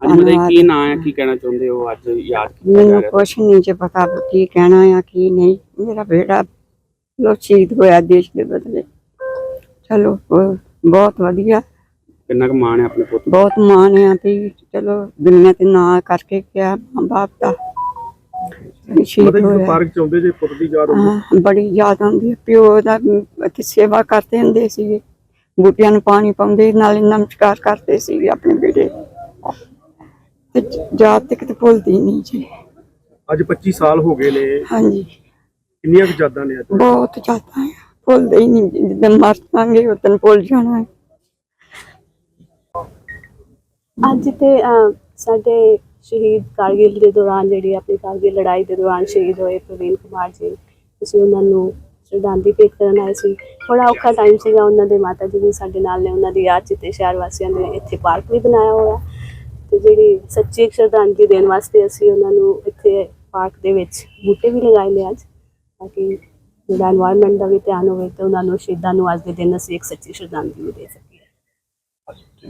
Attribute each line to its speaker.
Speaker 1: ਹਾਂਜੀ ਮਤਲਬ
Speaker 2: ਧੰਨਵਾਦ।
Speaker 1: ਕੀ ਨਾਂ ਹੈ, ਕੀ ਕਹਿਣਾ ਚਾਹੁੰਦੇ ਹੋ ਅੱਜ ਯਾਦ ਕੀਤਾ ਜਾ
Speaker 2: ਮੈਨੂੰ
Speaker 1: ਰਿਹਾ?
Speaker 2: ਕੁਛ ਨਹੀਂ ਜੇ ਪਤਾ ਕੀ ਕਹਿਣਾ ਆ ਕੀ ਨਹੀਂ। ਮੇਰਾ ਬੇਟਾ ਲੋ ਸ਼ਹੀਦ ਹੋਇਆ ਦੇਸ਼ ਦੇ ਬਦਲੇ। ਚਲੋ ਬਹੁਤ ਵਧੀਆ,
Speaker 1: ਕਿੰਨਾ ਕੁ ਮਾਣ ਹੈ ਆਪਣੇ ਪੁੱਤ ਤੇ?
Speaker 2: ਬਹੁਤ ਮਾਣ ਆ ਵੀ ਚਲੋ ਦੁਨੀਆ ਤੇ ਨਾਂ ਕਰਕੇ ਗਿਆ ਮਾਂ ਬਾਪ ਦਾ। ਸ਼ਹੀਦ ਹੋਇਆ।
Speaker 3: ਪਾਰਕ ਚ ਆਉਂਦੇ ਜੇ ਪੁੱਤ ਦੀ ਯਾਦ
Speaker 2: ਹਾਂ, ਬੜੀ ਯਾਦ ਆਉਂਦੀ ਹੈ। ਪਿਓ ਦਾ ਇੱਥੇ ਸੇਵਾ ਕਰਦੇ ਹੁੰਦੇ ਸੀਗੇ, ਬੂਟਿਆਂ ਨੂੰ ਪਾਣੀ ਪਾਉਂਦੇ ਨਾਲੇ ਨਮਸਕਾਰ ਕਰਦੇ ਸੀਗੇ ਆਪਣੇ ਬੇਟੇ ਤੇ ਯਾਦ ਤੱਕ ਤੇ ਭੁੱਲਦੀ ਨਹੀਂ ਜੀ।
Speaker 3: ਅੱਜ 25 ਸਾਲ ਹੋ ਗਏ ਨੇ,
Speaker 2: ਹਾਂਜੀ,
Speaker 3: ਕਿੰਨੀਆਂ ਕੁ ਯਾਦਾਂ ਨੇ ਅੱਜ?
Speaker 2: ਬਹੁਤ ਜ਼ਿਆਦਾ ਹੈ, ਭੁੱਲਦੇ ਹੀ ਨਹੀਂ। ਜਿੱਦਣ ਮਰ ਜਾਵਾਂਗੇ ਉਦੋਂ ਭੁੱਲ ਜਾਣਾ ਹੈ।
Speaker 4: ਅੱਜ ਤੇ ਸਾਡੇ ਸ਼ਹੀਦ ਕਾਰਗਿਲ ਦੇ ਦੌਰਾਨ, ਜਿਹੜੀ ਆਪਣੀ ਕਾਰਗਿਲ ਲੜਾਈ ਦੇ ਦੌਰਾਨ ਸ਼ਹੀਦ ਹੋਏ ਪ੍ਰਵੀਨ ਕੁਮਾਰ ਜੀ, ਅਸੀਂ ਉਹਨਾਂ ਨੂੰ ਸ਼ਰਧਾਂਜਲੀ ਭੇਟ ਕਰਨ ਆਏ ਸੀ। ਬੜਾ ਔਖਾ ਟਾਈਮ ਸੀਗਾ, ਉਹਨਾਂ ਦੇ ਮਾਤਾ ਜੀ ਵੀ ਸਾਡੇ ਨਾਲ ਨੇ, ਉਹਨਾਂ ਦੀ ਯਾਦ 'ਚ ਤੇ ਸ਼ਹਿਰ ਵਾਸੀਆਂ ਨੇ ਇੱਥੇ ਪਾਰਕ ਵੀ ਬਣਾਇਆ ਹੋਇਆ ਤੇ ਜਿਹੜੀ ਸੱਚੀ ਸ਼ਰਧਾਂਜਲੀ ਦੇਣ ਵਾਸਤੇ ਅਸੀਂ ਉਹਨਾਂ ਨੂੰ ਇੱਥੇ ਪਾਰਕ ਦੇ ਵਿੱਚ ਬੂਟੇ ਵੀ ਲਗਾਏ ਨੇ ਅੱਜ, ਤਾਂ ਕਿ ਜਿਹੜਾ ਐਨਵਾਇਰਨਮੈਂਟ ਦਾ ਵੀ ਧਿਆਨ ਹੋਵੇ ਤੇ ਉਹਨਾਂ ਨੂੰ ਸ਼ਹੀਦਾਂ ਨੂੰ ਅੱਜ ਦੇ ਦਿਨ ਅਸੀਂ ਇੱਕ ਸੱਚੀ ਸ਼ਰਧਾਂਜਲੀ ਦੇ ਸਕੀਏ।